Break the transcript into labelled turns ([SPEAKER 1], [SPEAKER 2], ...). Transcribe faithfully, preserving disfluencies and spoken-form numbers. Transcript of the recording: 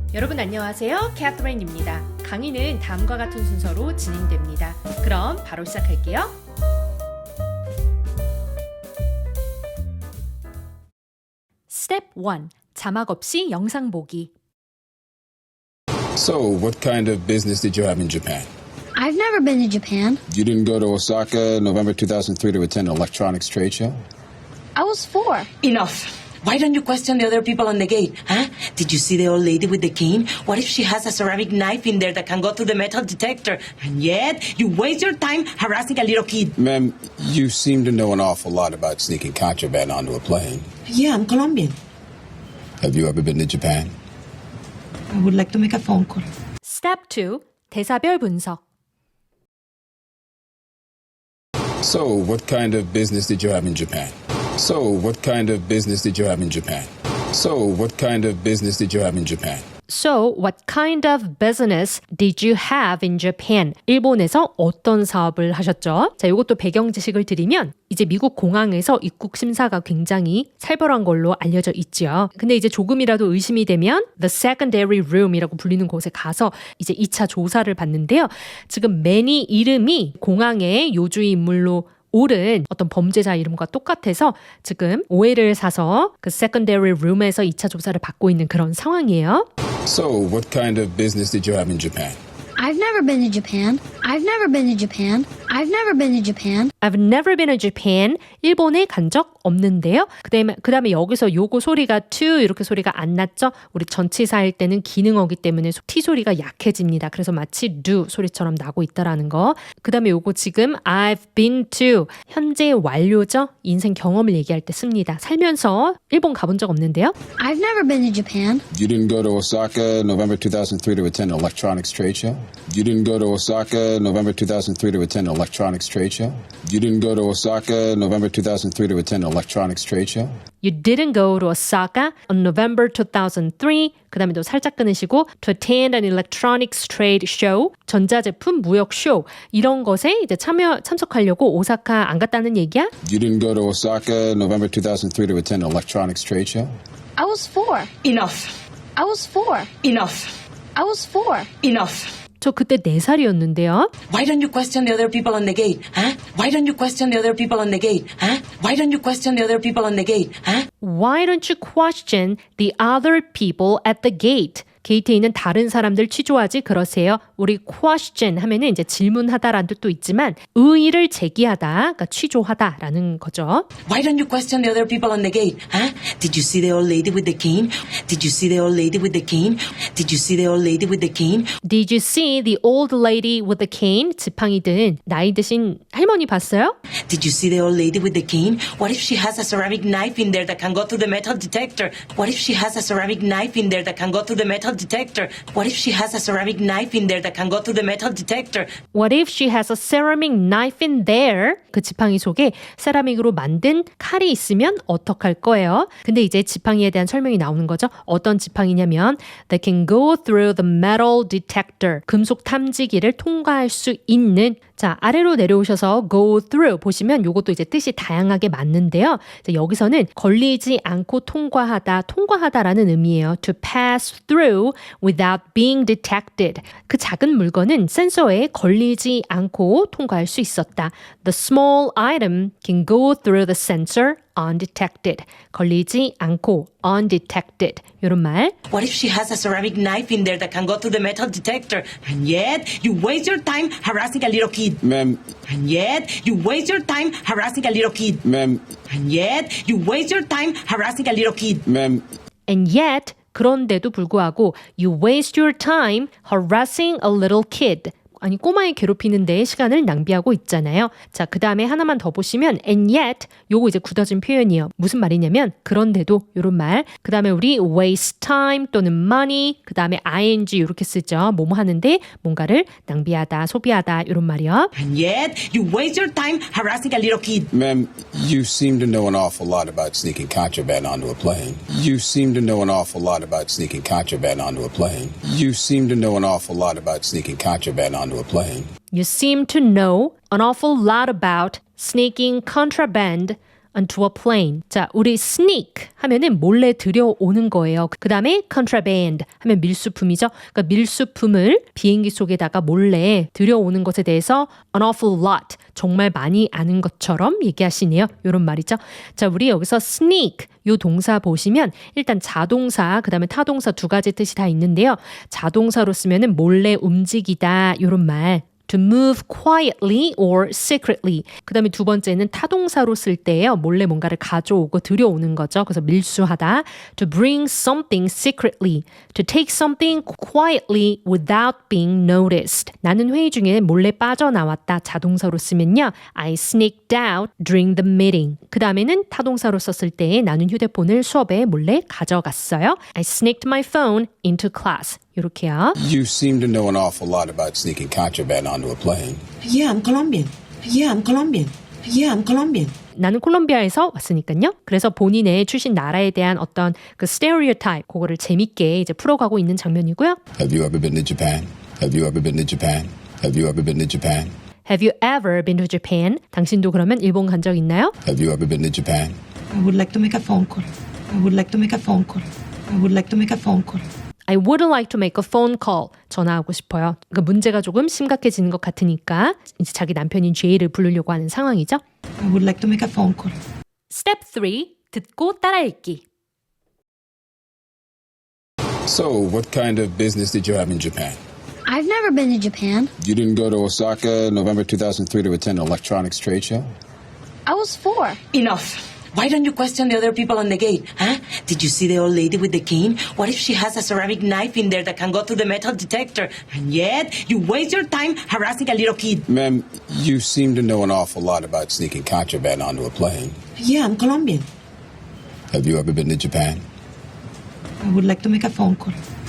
[SPEAKER 1] 여러분 안녕하세요. 캐서린입니다. 강의는 다음과 같은 순서로 진행됩니다. 그럼 바로 시작할게요. 스텝 일. 자막 없이 영상 보기.
[SPEAKER 2] So, what kind of business did you have in Japan?
[SPEAKER 3] I've never been to Japan.
[SPEAKER 2] You didn't go to Osaka in November two thousand three to attend an electronics trade show?
[SPEAKER 3] I was four.
[SPEAKER 4] Enough. Why don't you question the other people on the gate, huh? Did you see the old lady with the cane? What if she has a ceramic knife in there that can go through the metal detector? And yet, you waste your time harassing a little kid.
[SPEAKER 2] Ma'am, you seem to know an awful lot about sneaking contraband onto a plane.
[SPEAKER 4] Yeah, I'm Colombian.
[SPEAKER 2] Have you ever been to Japan?
[SPEAKER 4] I would like to make a phone call.
[SPEAKER 1] 스텝 이. 대사별 분석.
[SPEAKER 2] So, what kind of business did you have in Japan? So, what kind of business did you have in Japan? So, what kind of business did you have in Japan?
[SPEAKER 1] So, what kind of business did you have in Japan? 일본에서 어떤 사업을 하셨죠? 자, 이것도 배경 지식을 드리면 이제 미국 공항에서 입국 심사가 굉장히 살벌한 걸로 알려져 있죠. 근데 이제 조금이라도 의심이 되면 the secondary room이라고 불리는 곳에 가서 이제 이 차 조사를 받는데요. 지금 매니 이름이 공항의 요주의 인물로 옳은 어떤 범죄자 이름과 똑같아서 지금 오해를 사서 그 secondary room에서 이 차 조사를 받고 있는 그런 상황이에요.
[SPEAKER 2] So, what kind of business did you have in Japan?
[SPEAKER 3] I've never been to Japan. I've never been to Japan. I've never been to Japan.
[SPEAKER 1] I've never been to Japan. 일본에 간 적 없는데요. 그다음에 그다음에 여기서 요거 소리가 to 이렇게 소리가 안 났죠? 우리 전치사일 때는 기능어기 때문에 T 소리가 약해집니다. 그래서 마치 do 소리처럼 나고 있다라는 거. 그다음에 요거 지금 I've been to 현재 완료죠? 인생 경험을 얘기할 때 씁니다. 살면서 일본 가본 적 없는데요.
[SPEAKER 3] I've never been to Japan.
[SPEAKER 2] You didn't go to Osaka in November two thousand three to attend an electronics trade show? You didn't go to Osaka in November two thousand three to attend an electronics trade show? You didn't go to Osaka in November two thousand three to attend an electronics trade show?
[SPEAKER 1] You didn't go to Osaka on November two thousand three. 그 다음에 또 살짝 끊으시고 to attend an electronics trade show. 전자제품 무역 쇼. 이런 것에 이제 참여, 참석하려고 오사카 안 갔다는 얘기야?
[SPEAKER 2] You didn't go to Osaka in November two thousand three to attend an electronics trade show?
[SPEAKER 3] I was four.
[SPEAKER 4] Enough.
[SPEAKER 3] I was four.
[SPEAKER 4] Enough.
[SPEAKER 3] I was four.
[SPEAKER 4] Enough.
[SPEAKER 1] 저 그때 네 살이었는데요.
[SPEAKER 4] Why don't you question the other people on the gate, huh? Why don't you question the other people on the gate, huh? Why don't you question the other people on the gate, huh?
[SPEAKER 1] Why don't you question the other people at the gate? 게이트에 있는 다른 사람들 취조하지 그러세요. 우리 question 하면은 이제 질문하다라는 뜻도 있지만 의의를 제기하다, 그러니까 취조하다라는 거죠.
[SPEAKER 4] Why don't you question the other people on the gate, huh? Did you see the old lady with the cane? Did you see the old lady with the cane? Did you see the old lady with the cane?
[SPEAKER 1] Did you see the old lady with the cane? 지팡이 든 나이 드신 할머니 봤어요?
[SPEAKER 4] Did you see the old lady with the cane? What if she has a ceramic knife in there that can go through the metal detector? What if she has a ceramic knife in there that can go through the metal detector? What if she has a ceramic knife in there that can go through the metal detector?
[SPEAKER 1] What if she has a ceramic knife in there? 그 지팡이 속에 세라믹으로 만든 칼이 있으면 어떡할 거예요? 근데 이제 지팡이에 대한 설명이 나오는 거죠. 어떤 지팡이냐면 that can go through the metal detector. 금속 탐지기를 통과할 수 있는. 자, 아래로 내려오셔서 go through 보시면 요것도 이제 뜻이 다양하게 맞는데요. 자, 여기서는 걸리지 않고 통과하다, 통과하다라는 의미예요. To pass through without being detected. 그 작은 물건은 센서에 걸리지 않고 통과할 수 있었다. The small item can go through the sensor undetected. 걸리지 않고 undetected. 이런 말.
[SPEAKER 4] What if she has a ceramic knife in there that can go through the metal detector? And yet, you waste your time harassing a little kid.
[SPEAKER 2] Ma'am,
[SPEAKER 4] And yet, you waste your time harassing a little kid.
[SPEAKER 2] ma'am,
[SPEAKER 4] And yet, you waste your time harassing a little kid.
[SPEAKER 2] ma'am,
[SPEAKER 1] And yet, 그런데도 불구하고 you waste your time harassing a little kid. 아니 꼬마에 괴롭히는 데 시간을 낭비하고 있잖아요. 자, 그 다음에 하나만 더 보시면 and yet 요거 이제 굳어진 표현이에요. 무슨 말이냐면 그런데도 요런 말. 그 다음에 우리 waste time 또는 money 그 다음에 ing 이렇게 쓰죠. 뭐뭐 하는데 뭔가를 낭비하다, 소비하다 요런 말이요.
[SPEAKER 4] And yet, you waste your time harassing a little kid.
[SPEAKER 2] ma'am, you seem to know an awful lot about sneaking contraband onto a plane. You seem to know an awful lot about sneaking contraband onto a plane. You seem to know an awful lot about sneaking contraband onto a plane.
[SPEAKER 1] You seem to know an awful lot about sneaking contraband onto a plane. 자, 우리 sneak 하면은 몰래 들여오는 거예요. 그 다음에 contraband 하면 밀수품이죠. 그러니까 밀수품을 비행기 속에다가 몰래 들여오는 것에 대해서 an awful lot, 정말 많이 아는 것처럼 얘기하시네요. 이런 말이죠. 자, 우리 여기서 sneak 요 동사 보시면 일단 자동사, 그 다음에 타동사 두 가지 뜻이 다 있는데요. 자동사로 쓰면은 몰래 움직이다 요런 말. To move quietly or secretly. 그 다음에 두 번째는 타동사로 쓸 때예요. 몰래 뭔가를 가져오고 들여오는 거죠. 그래서 밀수하다. To bring something secretly. To take something quietly without being noticed. 나는 회의 중에 몰래 빠져나왔다. 자동사로 쓰면요. I sneaked out during the meeting. 그 다음에는 타동사로 썼을 때 나는 휴대폰을 수업에 몰래 가져갔어요. I sneaked my phone into class. 이렇게요.
[SPEAKER 2] You seem to know an awful lot about sneaking contraband onto a plane.
[SPEAKER 4] Yeah, I'm Colombian. Yeah, I'm Colombian. Yeah, I'm Colombian.
[SPEAKER 1] 나는 콜롬비아에서 왔으니까요. 그래서 본인의 출신 나라에 대한 어떤 그 스테레오타입 그거를 재밌게 이제 풀어가고 있는 장면이고요.
[SPEAKER 2] Have you ever been to Japan? Have you ever been to Japan? Have you ever been to Japan?
[SPEAKER 1] Have you ever been to Japan? 당신도 그러면 일본 간 적 있나요?
[SPEAKER 2] Have you ever been to Japan?
[SPEAKER 4] I would like to make a phone call. I would like to make a phone call. I would like to make a phone call.
[SPEAKER 1] I would like to make a phone call. 전화하고 싶어요. 그러니까 문제가 조금 심각해지는 것 같으니까 이제 자기 남편인 제이를 부르려고 하는 상황이죠.
[SPEAKER 4] I would like to make a phone call.
[SPEAKER 1] Step three. 듣고 따라 읽기.
[SPEAKER 2] So, what kind of business did you have in Japan?
[SPEAKER 3] I've never been to Japan.
[SPEAKER 2] You didn't go to Osaka in November two thousand three to attend an electronics trade show?
[SPEAKER 3] I was four.
[SPEAKER 4] Enough. Why don't you question the other people on the gate? Huh? Did you see the old lady with the cane? What if she has a ceramic knife in there that can go through the metal detector? And yet, you waste your time harassing a little kid.
[SPEAKER 2] Ma'am, you seem to know an awful lot about sneaking contraband onto a plane.
[SPEAKER 4] Yeah, I'm Colombian.
[SPEAKER 2] Have you ever been to Japan?
[SPEAKER 4] I would like to make a phone call.